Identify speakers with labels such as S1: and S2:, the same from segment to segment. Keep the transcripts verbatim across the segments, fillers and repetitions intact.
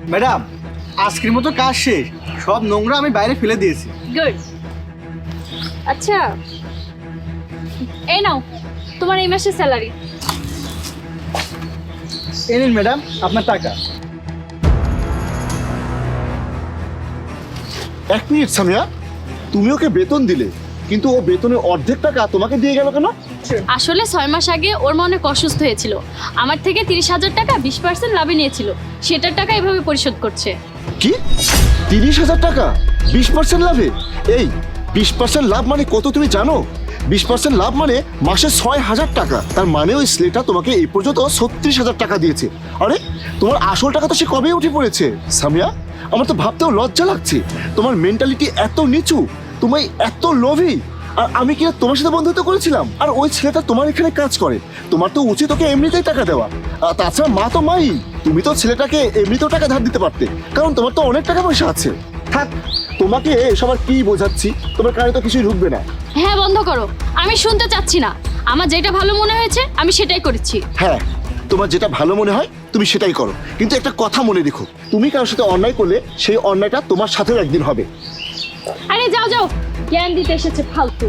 S1: Madam, আজকের মতো কাজ শেষ, সব নোংরা আমি বাইরে ফেলে দিয়েছি।
S2: গুড। আচ্ছা, এই নাও তোমার এই মাসের স্যালারি।
S1: এই নিন ম্যাডাম আপনার টাকা।
S3: এক মিনিট সামিয়া, তুমি ওকে বেতন দিলে কিন্তু ও বেতনের অর্ধেক টাকা তোমাকে দিয়ে গেল কেন?
S2: আসলে ছয় মাস আগে ওর মা অনেক অসুস্থ হয়েছিল, আমার থেকে তিরিশ হাজার টাকা বিশ পার্সেন্ট লাভে নিয়েছিল, সেটার টাকা এভাবে পরিশোধ করছে।
S3: কি তিরিশ হাজার টাকা বিশ পার্সেন্ট লাভে? এই বিশ পার্সেন্ট লাভ মানে কত তুমি জানো? বিশ পার্সেন্ট লাভ মানে মাসে ছয় হাজার টাকা। তার মানে ওই ছেলেটা তোমাকে এই পর্যন্ত ছত্রিশ হাজার টাকা দিয়েছে। আরে তোমার আসল টাকা তো সে কবে উঠে পড়েছে। সামিয়া, আমার তো ভাবতেও লজ্জা লাগছে, তোমার মেন্টালিটি এত নিচু, তুমি এত লোভী। আর আমি কি তোমার সাথে বন্ধুত্ব করেছিলাম? আর ওই ছেলেটা তোমার এখানে কাজ করে, তোমার তো উচিত ওকে এমনিতেই টাকা দেওয়া। আর তাছাড়া মা তো মাই, তুমি তো ছেলেটাকে এমনিতেও টাকা ধার দিতে পারতে, কারণ তোমার তো অনেক টাকা পয়সা আছে। থাক, তোমাকে এসব আর কি বোঝাচ্ছি, তোমার কানে তো কিছুই ঢুকবে না।
S2: হ্যাঁ বন্ধ করো, আমি শুনতে চাচ্ছি না। আমার যেটা ভালো মনে হয়েছে আমি সেটাই করেছি।
S3: হ্যাঁ, তোমার যেটা ভালো মনে হয় তুমি সেটাই করো, কিন্তু একটা কথা মনে রেখো, তুমি কারোর সাথে অন্যায় করলে সেই অন্যায়টা তোমার সাথেও একদিন হবে।
S2: আরে যাও যাও, জ্ঞান দিতে এসেছে ফালতু।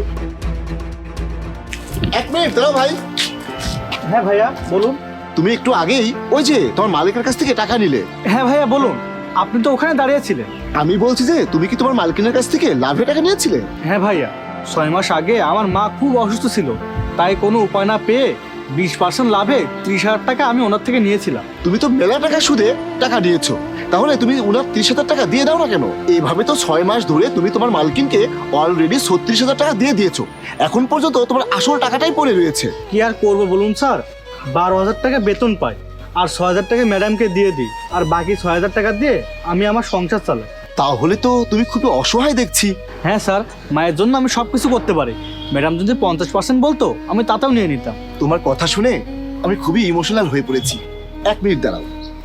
S3: এক মিনিট দাঁড়াও ভাই।
S1: হ্যাঁ ভাইয়া বলুন।
S3: তুমি একটু আগেই ওই যে তোমার মালিকের কাছ থেকে টাকা নিলে।
S1: হ্যাঁ ভাইয়া বলুন, আপনি তো ওখানে দাঁড়িয়েছিলেন।
S3: আমি বলছি যে তুমি কি তোমার মালিকের কাছ থেকে লাভে টাকা নিয়েছিলে?
S1: হ্যাঁ ভাইয়া, ছয় মাস আগে আমার মা খুব অসুস্থ ছিল, তাই কোনো উপায় না পেয়ে বিশ পার্সেন্ট লাভে ত্রিশ হাজার টাকা আমি ওনার থেকে নিয়েছিলাম।
S3: তুমি তো মেলা টাকা সুদে টাকা নিয়েছো, তাহলে তুমি উনার ত্রিশ হাজার টাকা দিয়ে দাও না কেন? এইভাবে তো ছয় মাস ধরে তুমি তোমার মালকিনকে অলরেডি ছত্রিশ হাজার টাকা দিয়ে দিয়েছো, এখন পর্যন্ত তোমার আসল টাকাটাই পড়ে রয়েছে।
S1: কি আর করবো বলুন স্যার, বারো হাজার টাকা বেতন পাই, আর ছয় হাজার টাকা ম্যাডামকে দিয়ে দিই, আর বাকি ছয় হাজার টাকা দিয়ে আমি আমার সংসার চালাই।
S3: তাহলে তো তুমি খুবই অসহায় দেখছি।
S1: হ্যাঁ স্যার, মায়ের জন্য আমি সব কিছু করতে পারি, ম্যাডাম যদি পঞ্চাশ পার্সেন্ট বলতো আমি তাতেও নিয়ে নিতাম।
S3: তোমার কথা শুনে আমি খুবই ইমোশনাল হয়ে পড়েছি। এক মিনিট দাঁড়াও,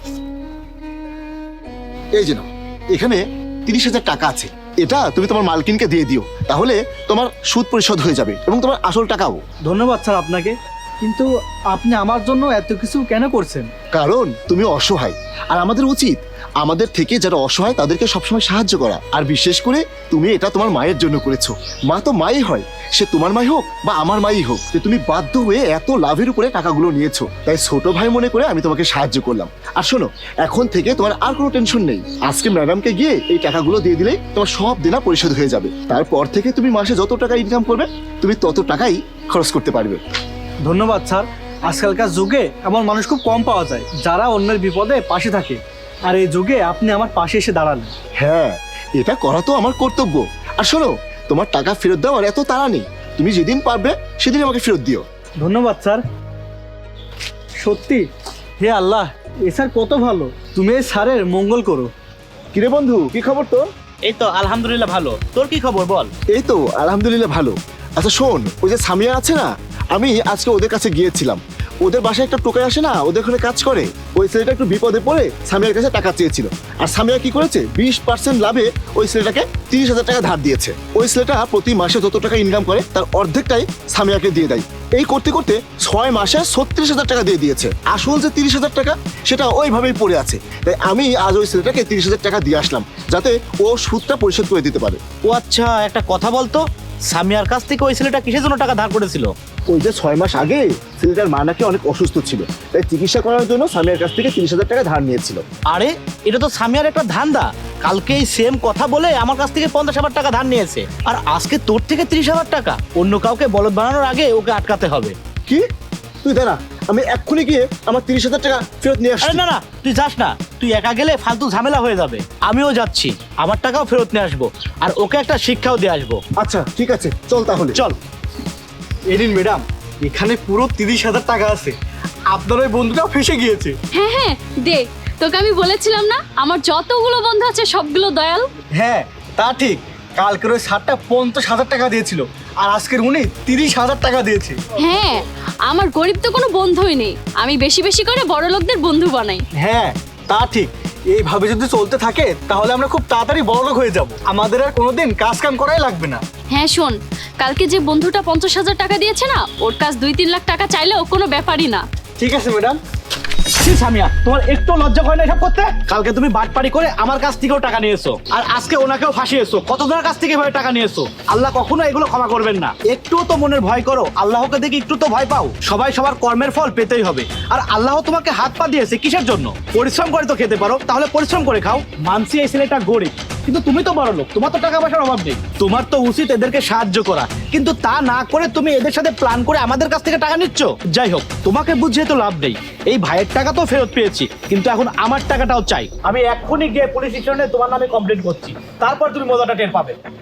S3: এই যে নাও, এখানে তিরিশ হাজার টাকা আছে, এটা তুমি তোমার মালকিনকে দিয়ে দিও, তাহলে তোমার সুদ পরিশোধ হয়ে যাবে এবং তোমার আসল টাকাও।
S1: ধন্যবাদ স্যার আপনাকে, কিন্তু আপনি আমার জন্য এত কিছু কেন করছেন?
S3: কারণ তুমি অসহায়, আর আমাদের উচিত আমাদের থেকে যারা অসহায় তাদেরকে সবসময় সাহায্য করা। আর বিশেষ করে তুমি এটা তোমার মায়ের জন্য করেছো। মা তো মাই হয়, সে তোমার মাই হোক বা আমার মাই হোক, যে তুমি বাধ্য হয়ে এত লাভের উপরে টাকাগুলো নিয়েছো, তাই ছোট ভাই মনে করে আমি তোমাকে সাহায্য করলাম। আর শোনো, এখন থেকে তোমার আর কোনো টেনশন নেই, আজকে ম্যাডামকে গিয়ে এই টাকাগুলো দিয়ে দিলেই তোমার সব দেনা পরিশোধ হয়ে যাবে। তারপর থেকে তুমি মাসে যত টাকা ইনকাম করবে তুমি তত টাকাই খরচ করতে পারবে।
S1: ধন্যবাদ স্যার, আজকালকার যুগে এমন মানুষ খুব কম পাওয়া যায় যারা অন্যের বিপদে পাশে থাকে, আর এই যুগে আপনি আমার পাশে এসে দাঁড়ালেন।
S3: হ্যাঁ, এটা করা তো আমার কর্তব্য। আর শোনো, তোমার টাকা ফেরত দেওয়ার এত তাড়া নেই, তুমি যেদিন পারবে সেদিন আমাকে ফেরত দিও।
S1: ধন্যবাদ স্যার। সত্যি, হে আল্লাহ, এ স্যার কত ভালো, তুমি এই স্যারের মঙ্গল করো।
S3: কিরে বন্ধু, কি খবর তোর?
S4: এই তো আলহামদুলিল্লাহ ভালো। তোর কি খবর বল?
S3: এই তো আলহামদুলিল্লাহ ভালো। আচ্ছা শোন, ওই যে সামিয়া আছে না, আমি আজকে ওদের কাছে গিয়েছিলাম, ওদের বাসায় একটা টোকাই আসে না, ওদের ওখানে কাজ করে, ওই ছেলেটা একটু বিপদে পড়ে সামিয়ার কাছে টাকা চেয়েছিল, আর সামিয়া কি করেছে, বিশ পার্সেন্ট লাভে ওই ছেলেটাকে তিরিশ হাজার টাকা ধার দিয়েছে। ওই ছেলেটা প্রতি মাসে যত টাকা ইনকাম করে তার অর্ধেকটাই সামিয়াকে দিয়ে দেয়। এই করতে করতে ছয় মাসে ছত্রিশ হাজার টাকা দিয়ে দিয়েছে। আসল যে তিরিশ হাজার টাকা সেটা ওইভাবেই পড়ে আছে, তাই আমি আজ ওই ছেলেটাকে তিরিশ হাজার টাকা দিয়ে আসলাম, যাতে ও সুদটা পরিশোধ করে দিতে পারে।
S4: ও আচ্ছা, একটা কথা বলতো, সামিয়ার কাছ থেকে ওই ছেলেটা কিসের জন্য টাকা ধার করেছিল?
S3: ওই যে ছয় মাস আগে ছেলেটার মা নাকি অনেক অসুস্থ ছিল, তাই চিকিৎসা করার জন্য সামিয়ার কাছ থেকে তিরিশ হাজার টাকা ধার নিয়েছিল।
S4: আরে এটা তো সামিয়ার একটা ধান্দা, কালকে এই সেম কথা বলে আমার কাছ থেকে পঞ্চাশ হাজার টাকা ধার নিয়েছে, আর আজকে তোর থেকে ত্রিশ হাজার টাকা। অন্য কাউকে বলদ বানানোর আগে ওকে আটকাতে হবে।
S3: কি? তুই দাঁড়া, আমি এক্ষুনি গিয়ে আমার তিরিশ হাজার টাকা ফেরত নিয়ে আসছি।
S4: আরে না না, তুই যাস না, তুই একা গেলে ফালতু ঝামেলা হয়ে যাবে। আমিও যাচ্ছি, আমার টাকাও ফেরত নিয়ে আসবো, আর ওকে একটা শিক্ষাও দিয়ে আসবো।
S3: আচ্ছা ঠিক আছে, চল তাহলে।
S4: চল।
S1: এরিন ম্যাডাম, এখানে পুরো তিরিশ হাজার টাকা আছে, আপনার ওই বন্ধুটাও ফেসে গিয়েছে।
S2: হ্যাঁ হ্যাঁ দে, তোকে আমি বলেছিলাম না আমার যতগুলো বন্ধু আছে সবগুলো দয়াল।
S1: হ্যাঁ তা ঠিক, কালকের ওই শার্টটা পঞ্চাশ হাজার টাকা দিয়েছিল, আর আজকের উনি তিরিশ হাজার টাকা দিয়েছে।
S2: হ্যাঁ, আমার গরিব তো কোনো বন্ধুই নেই, আমি বেশি বেশি করে বড় লোকদের বন্ধু বানাই।
S1: হ্যাঁ তা ঠিক, এইভাবে যদি চলতে থাকে তাহলে আমরা খুব তাড়াতাড়ি বড়লোক হয়ে যাব, আমাদের আর কোনোদিন কাজ কাম করাই লাগবে না।
S2: হ্যাঁ শোন, কালকে যে বন্ধুটা পঞ্চাশ হাজার টাকা দিয়েছে না, ওর কাছ দুই তিন লাখ টাকা চাইলেও কোনো ব্যাপারই না।
S1: ঠিক আছে ম্যাডাম।
S4: ছি সামিয়া, তোমার একটু লজ্জা হয় না এসব করতে? কালকে তুমি বাটপাড়ি করে আমার কাছ থেকেও টাকা নিয়েছো, আর আজকে ওনাকেও ফাঁসিয়েছো। কতজনের কাছ থেকে এভাবে টাকা নিয়েছো? আল্লাহ কখনো এগুলো ক্ষমা করবেন না। একটুও তো মনের ভয় করো, আল্লাহকে দেখে একটু তো ভয় পাও। সবাই সবার কর্মের ফল পেতেই হবে, আর আল্লাহ তোমাকে হাত পা দিয়েছে কিসের জন্য? পরিশ্রম করে তো খেতে পারো, তাহলে পরিশ্রম করে খাও। মানছি এই ছেলেটা গরিব, কিন্তু তুমি তো বড় লোক, তোমার তো টাকা পয়সার অভাব নেই। তোমার তো উচিত এদেরকে সাহায্য করা, কিন্তু তা না করে তুমি এদের সাথে প্ল্যান করে আমাদের কাছ থেকে টাকা নিচ্ছ। যাই হোক, তোমাকে বুঝিয়ে তো লাভ নেই। এই ভাইয়ের টাকা তো ফেরত পেয়েছি, কিন্তু এখন আমার টাকাটাও চাই। আমি এক্ষুনি গিয়ে পুলিশ স্টেশনে তোমার নামে কমপ্লেন করছি, তারপর তুমি মজাটা টের পাবে।